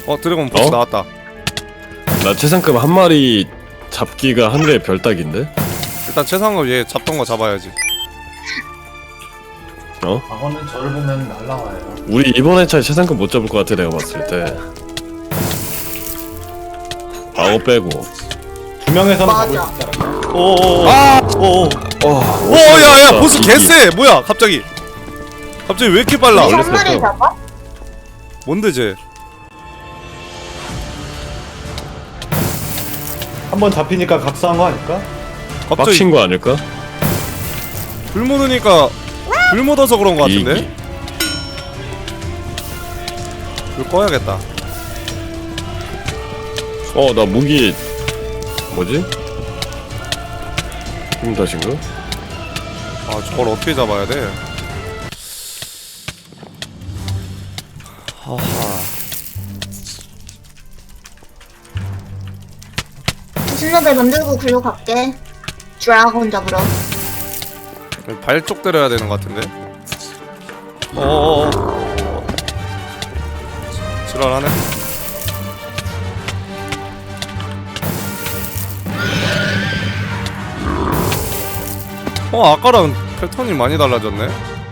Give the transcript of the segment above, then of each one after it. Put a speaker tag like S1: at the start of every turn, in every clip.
S1: 드래곤 보스 나왔다.
S2: 나 최상급 한 마리 잡기가 하늘의 별따기인데?
S1: 일단 최상급 얘 잡던 거 잡아야지.
S3: 악어는 저를 보면 날라와요.
S2: 우리 이번 회차에 최상급 못 잡을 것 같아 내가 봤을 때. 아오 빼고.
S3: 두 명에서는
S4: 맞아.
S3: 잡을 수 있잖아.
S2: 오오오.
S1: 야야 보스 개쎄. 뭐야 갑자기 왜 이렇게 빨라?
S4: 한 마리 잡아?
S1: 뭔데 쟤?
S3: 한번 잡히니까 각성한 거 아닐까?
S1: 갑자기
S2: 빡친 거 아닐까?
S1: 불 묻으니까 불 묻어서 그런 거 같은데? 불 꺼야겠다.
S2: 나 무기 뭐지? 힘 다신가?
S1: 아 저걸 어떻게 잡아야 돼? 하하.
S4: 신라벨 만들고 글로 갈게. 드래곤 잡으러.
S1: 발쪽 때려야 되는 것 같은데? 어어어. 지랄하네. 아까랑 패턴이 많이 달라졌네?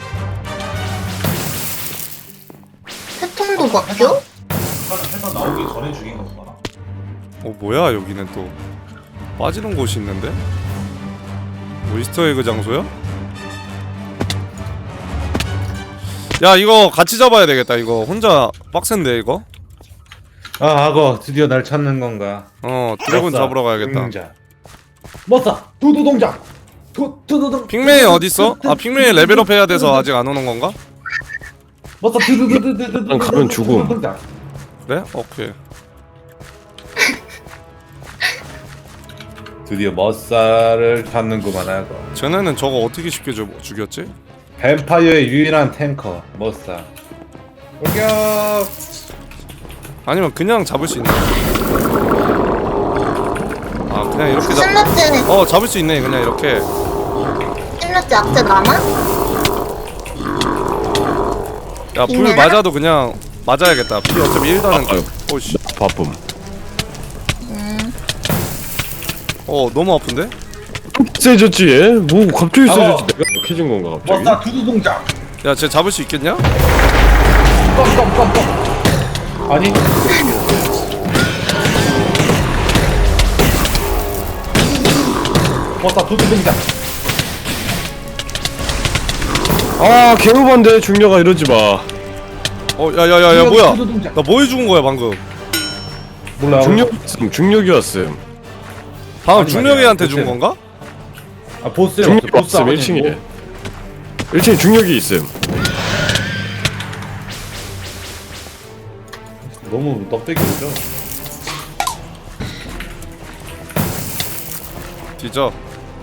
S4: 패턴도 바뀌어?
S3: 패턴 나오기 전에 죽인 거구나.
S1: 뭐야 여기는 또 빠지는 곳이 있는데? 뭐 이스터에그 장소야? 야 이거 같이 잡아야 되겠다. 이거 혼자 빡센데 이거?
S3: 아, 악어 드디어 날 찾는 건가?
S1: 드래곤 잡으러 가야겠다.
S3: 동작. 머싸 두두 동작. 두두두.
S1: 핑맨이 어딨어? 핑맨이 레벨업 해야 돼서 아직 안 오는 건가?
S3: 머싸 두두두두두.
S2: 난 가면 죽음.
S1: 그래? 오케이.
S3: 드디어 머싸를 찾는구만 악어.
S1: 쟤네는 저거 어떻게 쉽게 죽였지?
S3: 뱀파이어의 유일한 탱커 머싸. 공격.
S1: 아니면 그냥 잡을 수 있나? 그냥 이렇게
S4: 신라벨
S1: 잡을 수 있네 그냥 이렇게.
S4: 신라벨 악재 남아?
S1: 야 불 맞아도 그냥 맞아야겠다. 피 어차피 1단은 오씨
S2: 바쁨.
S1: 너무 아픈데?
S2: 세졌지 얘? 뭐 갑자기 세졌지? 내가 약해진 건가 갑자기?
S3: 머싸 두두 동작.
S1: 야 쟤 잡을 수 있겠냐?
S3: 아니 머싸 두두 동작.
S2: 개우반데 중녀가 이러지 마.
S1: 야야야야 뭐야?
S3: 두두 동작.
S1: 나 뭐 해죽은 거야 방금?
S3: 몰라.
S2: 중력이었음.
S1: 방금
S3: 아니,
S1: 중력이한테
S3: 아니야.
S1: 죽은 건가?
S3: 아 보스에
S2: 중력이
S3: 보스
S2: 없음 1층에. 1층에 중력이 있음.
S3: 너무 넉대기죠.
S1: 뒤져.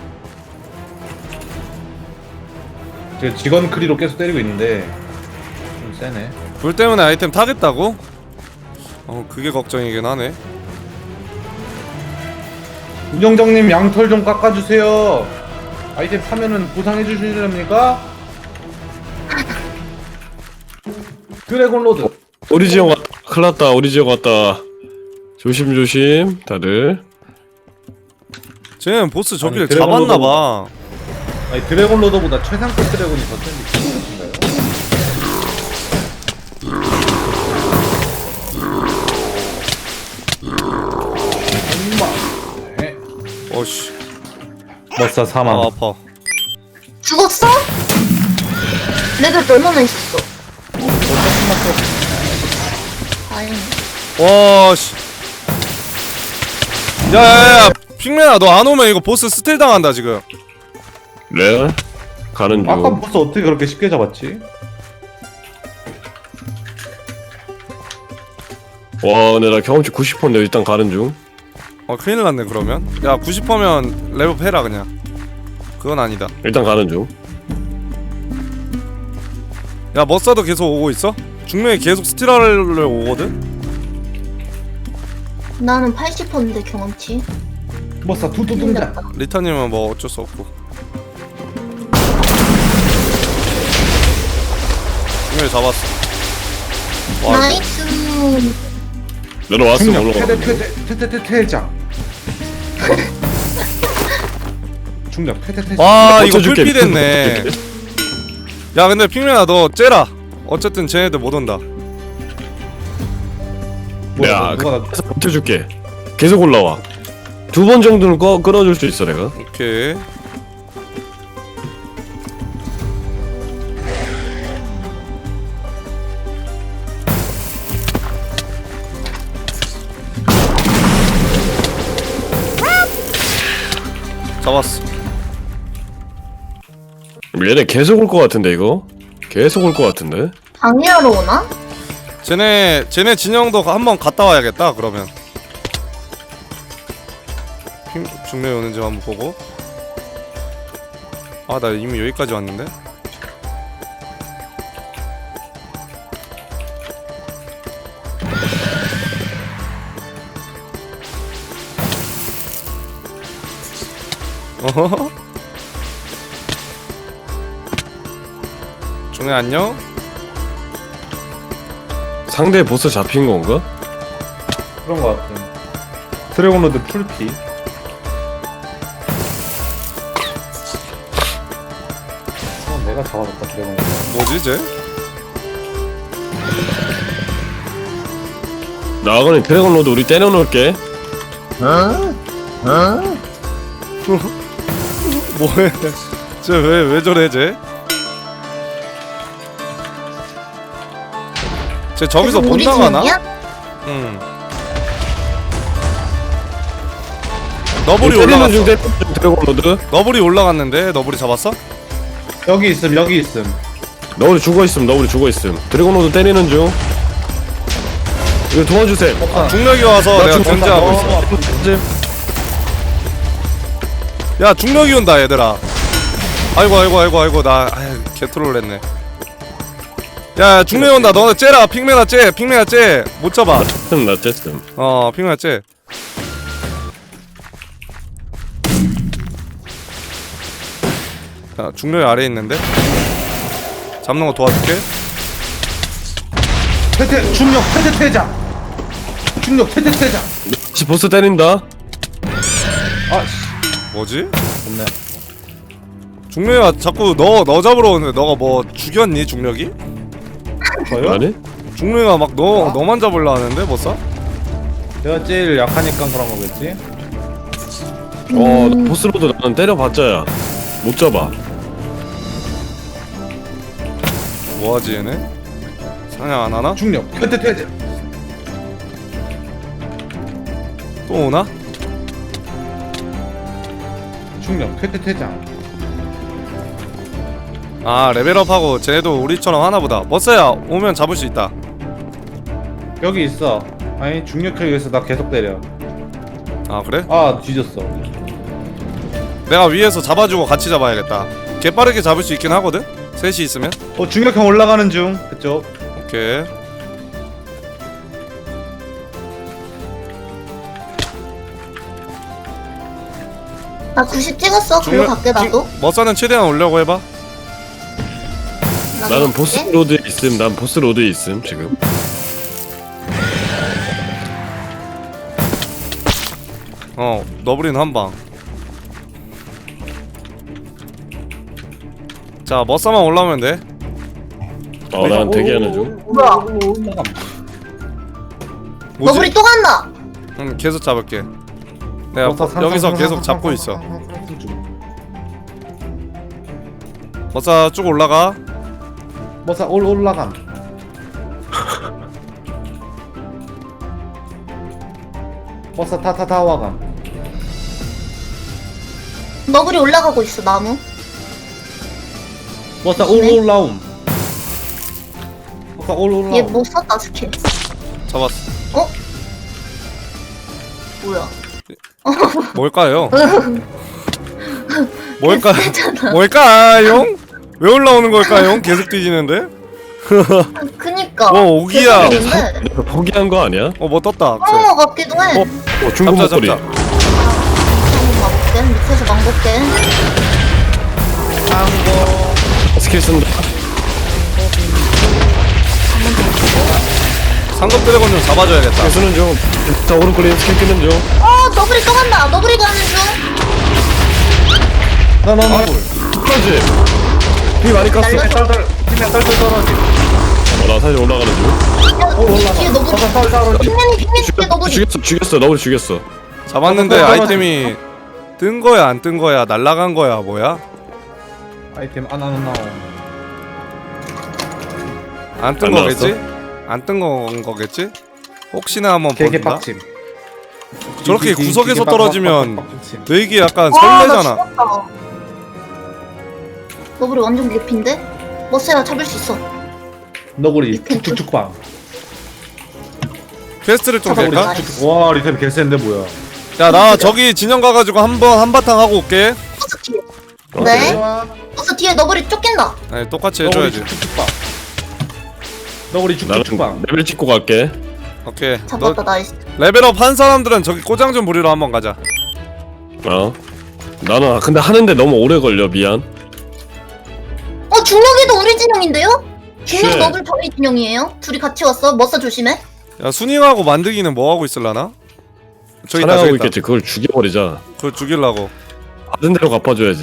S3: 제가 직원 크리로 계속 때리고 있는데 좀 세네.
S1: 불 때문에 아이템 타겠다고? 그게 걱정이긴 하네.
S3: 운영장님 양털 좀 깎아주세요. 아이템 타면은 보상해 주시렵니까? 드래곤 로드.
S2: 우리 지역 왔다. 큰일났다. 우리 지역 왔다. 조심조심 다들.
S1: 쟤는 보스 저기를
S3: 아니, 드래곤
S1: 잡았나봐.
S3: 아니 드래곤 로더보다 최상급 드래곤이 더 센데 기분이신가요? 네.
S1: 어씨
S3: 머싸 사망.
S1: 아파.
S4: 죽었어? 레벨 얼마나 있었어? 아니
S1: 와씨. 야야야 핑맨아 너 안 오면 이거 보스 스틸 당한다 지금.
S2: 레알? 가는 중.
S3: 아까 보스 어떻게 그렇게 쉽게 잡았지?
S2: 와 근데 나 경험치 90%인데 일단 가는 중.
S1: 큰일 났네 그러면. 야 90%면 레벨업 해라 그냥. 그건 아니다.
S2: 일단 가는 중.
S1: 야 머싸도 계속 오고 있어? 중력이 계속 스틸하려 오거든?
S4: 나는 80%인데 경험치.
S3: 머싸 두두 동작.
S1: 리타님은 뭐 어쩔 수 없고. 중력이 잡았어. 와,
S4: 나이스.
S2: 내려왔어
S3: 중력
S2: 올라가.
S3: 퇴장. 중력 퇴장.
S1: 와 이거
S2: 버텨줄게.
S1: 풀피 됐네. 야 근데 핑맨아 너 째라. 어쨌든 쟤네들 못 온다.
S2: 야,
S3: 누가 나
S2: 그래서 버텨줄게. 계속 올라와. 2번 정도는 끌어줄 수 있어 내가.
S1: 오케이. 잡았어.
S2: 얘네 계속 올 것 같은데 이거. 계속 올 것 같은데.
S4: 방해하러 오나?
S1: 쟤네 진영도 한번 갔다 와야겠다. 그러면 중매 오는지 한번 보고. 아 나 이미 여기까지 왔는데. 어허. 중매 안녕.
S2: 상대 보스 잡힌 건가?
S3: 그런 거 같은. 드래곤로드 풀피. 내가 잡아줬다 드래곤로드.
S1: 뭐지 쟤?
S2: 나가는 드래곤 로드 우리 때려놓을게.
S1: 뭐해? 쟤 왜 저래 쟤? 쟤 저기서
S4: 계속
S1: 못
S4: 우리
S1: 나가나?
S4: 진영이야?
S1: 응. 너블이 올라갔어.
S2: 드래곤 로드.
S1: 너블이 올라갔는데 너블이 잡았어?
S3: 여기 있음 여기 있음.
S2: 너우리 죽어있음. 드래곤 로드 때리는 중. 이거 도와주세요.
S1: 중력이 와서
S2: 나
S1: 내가
S2: 죽었다.
S1: 견제하고 있어. 야 중력이 온다 얘들아. 아이고 나 개트롤 했네. 야 중력이 온다. 너네 째라. 핑맨아 째. 못 잡아.
S2: 나 쬐음.
S1: 핑맨아 째. 야 중력이 아래에 있는데 잡는 거 도와줄게.
S3: 중력 퇴장. 중력 퇴장.
S2: 다시 보스 때린다.
S3: 아씨.
S1: 뭐지?
S3: 좋네.
S1: 중력이가 자꾸 너 잡으러 오는데 너가 뭐 죽였니 중력이?
S3: 저요?
S2: 아니?
S1: 중력이가 막 너만 잡으려 하는데 뭐 써?
S3: 내가 제일 약하니까 그런 거겠지?
S2: 나 보스 로드 나는 때려봤자야. 못 잡아.
S1: 뭐하지 얘네? 사냥 안 하나?
S3: 중력 퇴장.
S1: 또 오나?
S3: 중력 퇴장.
S1: 아 레벨업하고 쟤네도 우리처럼 하나보다. 머싸야 오면 잡을 수 있다.
S3: 여기 있어. 아니 중력형 위해서 나 계속 때려.
S1: 아 그래?
S3: 아 뒤졌어.
S1: 내가 위에서 잡아주고 같이 잡아야겠다. 개 빠르게 잡을 수 있긴 하거든? 셋이 있으면?
S3: 중력형 올라가는 중. 그쪽.
S1: 오케이.
S4: 나 90 찍었어. 그리고 갈게 나도.
S1: 머싸는 최대한 올려고 해봐.
S4: 나도
S2: 나는
S4: 갈게.
S2: 보스 로드에 있음. 난 보스 로드에 있음 지금.
S1: 너브리는 한방. 자 머싸만 올라오면 돼.
S2: 난 대기하는 중.
S4: 뭐야?
S1: 뭐지?
S4: 너구리 또 간다.
S1: 계속 잡을게. 내가 여기서 계속 잡고 있어. 머싸 쭉 올라가.
S3: 뭐사 올라감. 버스 타타타 와감.
S4: 너구리 올라가고 있어 나무.
S3: 버스
S4: 조심해.
S3: 올라옴. 버스 올라옴.
S4: 얘 뭐 썼다 스킬.
S1: 잡았어.
S4: 뭐야?
S1: 뭘까요?
S4: 했잖아.
S1: 뭘까요? 왜 올라오는 걸까요? 계속 뒤지는데?
S4: 그니까.
S1: 뭐 오기야.
S4: 계속 있는데.
S2: 내가 포기한 거 아니야?
S1: 뭐 떴다.
S4: 어 같기도 해.
S2: 중국
S1: 잡자
S2: 목소리.
S1: 잡자.
S4: 한번 가볼게. 밑에서 망볼게.
S2: 스킬 쓴다.
S4: 한번 더 주고.
S1: 상급 드래곤 좀 잡아줘야겠다.
S2: 개수는 좀. 자, 오른클릭 스캔 좀.
S4: 너브리 또 간다. 너브리 가는 중.
S3: 나나
S2: 그렇지. 피 많이 깠어.
S4: 날려.
S3: 떨떨 핑맨 떨떨 떨어지.
S2: 나 사실 올라가는 중.
S4: 야, 뒤에 너브리. 핑맨이 뒤에 너브리.
S2: 죽였어. 너를 죽였어.
S1: 잡았는데 아이템이 뜬 거야 안 뜬 거야 날라간 거야 뭐야?
S3: 아이템 안
S1: 안 뜬
S2: 안
S1: 거겠지? 안 뜬 건 거겠지? 혹시나 한번
S3: 개개
S1: 본다.
S3: 빡침.
S1: 저렇게 구석에서 떨어지면
S3: 빡침.
S1: 뇌기 약간
S4: 나
S1: 설레잖아.
S4: 죽었다. 너브리 완전 개피인데? 머스야 잡을 수 있어.
S3: 너구리 쭉쭉쭉빵.
S1: 퀘스트를 좀
S4: 잠깐만,
S1: 낼까?
S4: 우리
S3: 와 리템 개센데 뭐야?
S1: 야 나 저기 진영 가가지고 한바탕 하고 올게.
S4: 버스 뒤에. 네? 버스 뒤에 너브리 쫓긴다.
S1: 아니 똑같이
S3: 너구리
S1: 해줘야지.
S3: 쭉쭉쭉빵. 너구리
S2: 나는
S3: 쭉쭉쭉빵.
S2: 레벨 찍고 갈게.
S1: 오케이. 너
S4: 잡았다 나이스.
S1: 레벨업 한 사람들은 저기 꼬장 좀 부리러 한번 가자.
S2: 나는 근데 하는데 너무 오래 걸려. 미안.
S4: 중력이도 우리 진영인데요? 중력
S2: 쉣.
S4: 너블 저희 진영이에요. 둘이 같이 왔어. 머싸 조심해.
S1: 야 순잉하고 만드기는 뭐 하고 있을라나? 저기 있다
S2: 사냥하고
S1: 저기 있다.
S2: 있겠지. 그걸 죽여버리자.
S1: 그걸 죽이려고.
S2: 받은 대로 갚아줘야지.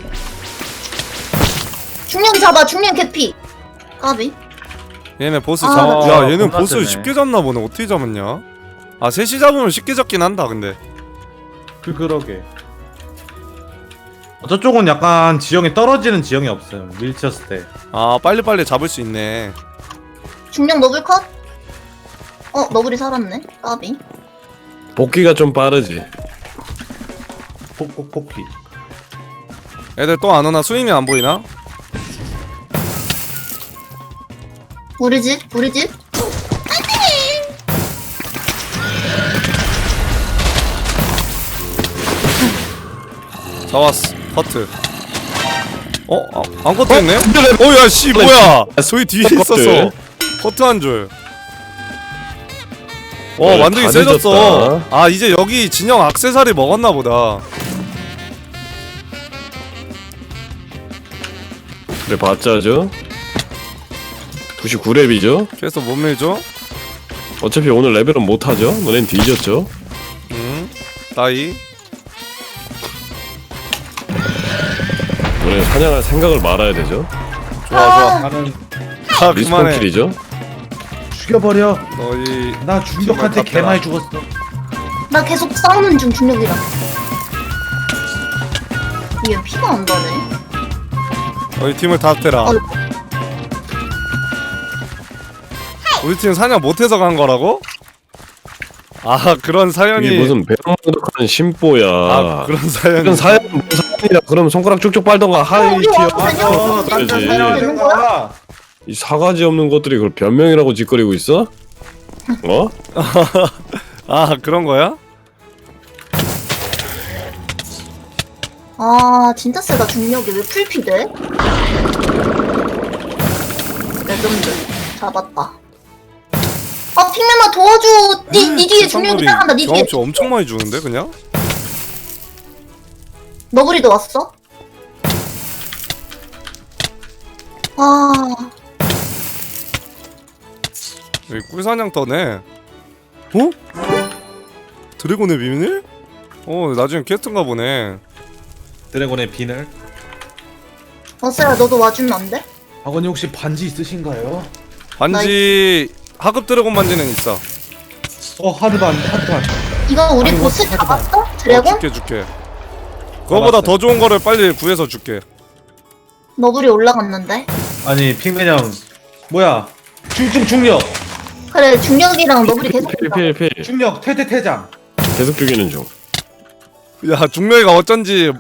S4: 중력이 잡아. 중력 개피. 까비.
S1: 얘네 보스
S4: 아,
S1: 잡아.
S3: 나
S1: 야 얘는
S3: 겁나
S1: 보스
S3: 세네.
S1: 쉽게 잡나 보네. 어떻게 잡았냐? 아 셋이 잡으면 쉽게 잡긴 한다 근데.
S3: 그러게. 저쪽은 약간 지형이 떨어지는 지형이 없어요. 밀쳤을 때.
S1: 아 빨리빨리 잡을 수 있네.
S4: 중력 너블 컷. 너블이 살았네. 까비.
S2: 복귀가 좀 빠르지.
S3: 폭폭폭피.
S1: 애들 또 안 오나? 수임이 안 보이나?
S4: 우리 집. 우리 집.
S1: 잡았어. 커트. 안 커트했네? 야 씨 뭐야? 저기 뒤에
S2: 커트.
S1: 있었어. 커트 한 줄.
S2: 네,
S1: 만들기
S2: 다
S1: 세졌어.
S2: 늦었다.
S1: 아 이제 여기 진영 액세서리 먹었나 보다.
S2: 그래 봤자죠. 99렙이죠.
S1: 그래서 못 밀죠?
S2: 어차피 오늘 레벨은 못하죠. 너넨 뒤졌죠.
S1: 나이.
S2: 너네 사냥할 생각을 말아야 되죠.
S1: 좋아.
S3: 나는
S1: 아
S2: 리스폰
S1: 그만해.
S2: 킬이죠.
S3: 죽여버려.
S1: 너희
S3: 나 중력한테 개 많이 죽었어.
S4: 나 계속 싸우는 중 중력이랑. 얘 피가 안 나네.
S1: 너희 팀을 다 때라.
S4: 아이고.
S1: 우리 팀 사냥 못해서 간 거라고? 아 그런 사연이.
S2: 이게 무슨 배럭만덕한 심보야.
S1: 아 그런 사연이.
S2: 이건 사연이야. 그럼 손가락 쭉쭉 빨던가 하이
S4: 우리
S2: 티어.
S4: 왔거든요.
S2: 그러지.
S4: 되는 거야?
S2: 이 사가지 없는 것들이 그걸 변명이라고 짓거리고 있어?
S1: 아 그런 거야?
S4: 진짜 세다 중력이. 왜 풀피 돼? 레전드. 잡았다. 핑맨아 도와줘. 니 뒤에 중력이 따라간다. 니 뒤에.
S1: 경험치 엄청 많이 주는데 그냥?
S4: 너구리도 왔어?
S1: 여기 꿀사냥 떠네. 어? 드래곤의 비밀? 나중에 퀘스트인가 보네.
S3: 드래곤의 비늘.
S4: 버스야 너도 와주면 안 돼?
S3: 아버님 혹시 반지 있으신가요?
S1: 반지 하급 드래곤 반지는 있어.
S3: 하드반.
S4: 이거 우리
S3: 아이고,
S4: 보스
S3: 하지마.
S4: 잡았어? 드래곤?
S1: 줄게. 그거보다 더 좋은 거를 빨리 구해서 줄게.
S4: 너구리 올라갔는데?
S3: 아니 핑맨 형. 뭐야? 중력.
S4: 그래 중력이랑 너구리 계속
S2: 필.
S3: 중력 퇴장.
S2: 계속 죽이는 중.
S1: 야 중명이가 어쩐지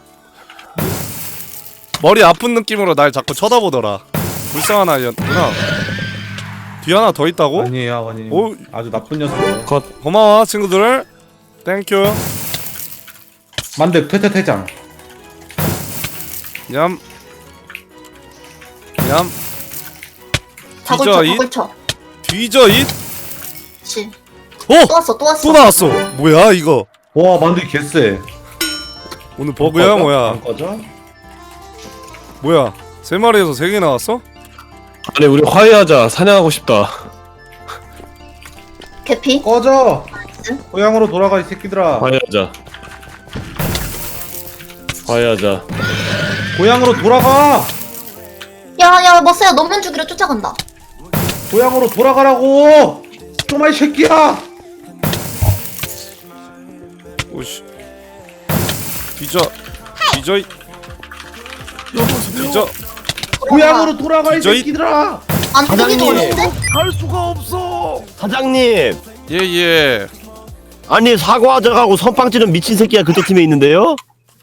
S1: 머리 아픈 느낌으로 날 자꾸 쳐다보더라. 불쌍한 아이였구나. 뒤 하나 더 있다고?
S3: 아니에요 아버님.
S1: 오.
S3: 아주 나쁜 녀석이에요.
S2: 컷.
S1: 고마워 친구들. 땡큐.
S3: 만득 퇴장.
S1: 냠.
S4: 다굴쳐
S1: 뒤져,
S4: 다굴쳐.
S1: 뒤져 잇.
S4: 그치.
S1: 어!
S4: 또 왔어 또 왔어.
S1: 또 나왔어. 뭐야 이거?
S3: 와 만득이 개쎄.
S1: 오늘 버그야 뭐야?
S3: 안 꺼져?
S1: 뭐야? 세 마리에서 세 개 나왔어?
S2: 아니 우리 화해하자. 사냥하고 싶다.
S4: 개피.
S3: 꺼져. 고향으로 돌아가 이 새끼들아.
S2: 화해하자. 화해하자.
S3: 고향으로 돌아가.
S4: 야야 머스야 너만 죽이러 쫓아간다.
S3: 고향으로 돌아가라고. 좀아 이 새끼야.
S1: 오씨. 뒤져. 뒤져. 뒤져.
S3: 고향으로 돌아가 이
S1: 뒤져, 이-
S3: 새끼들아.
S4: 안 죽이도
S5: 사장님.
S4: 어딘데?
S5: 갈 수가 없어. 사장님,
S1: 예예.
S5: 아니 사과하자고 선빵 찌는 미친 새끼가 그쪽 팀에 있는데요?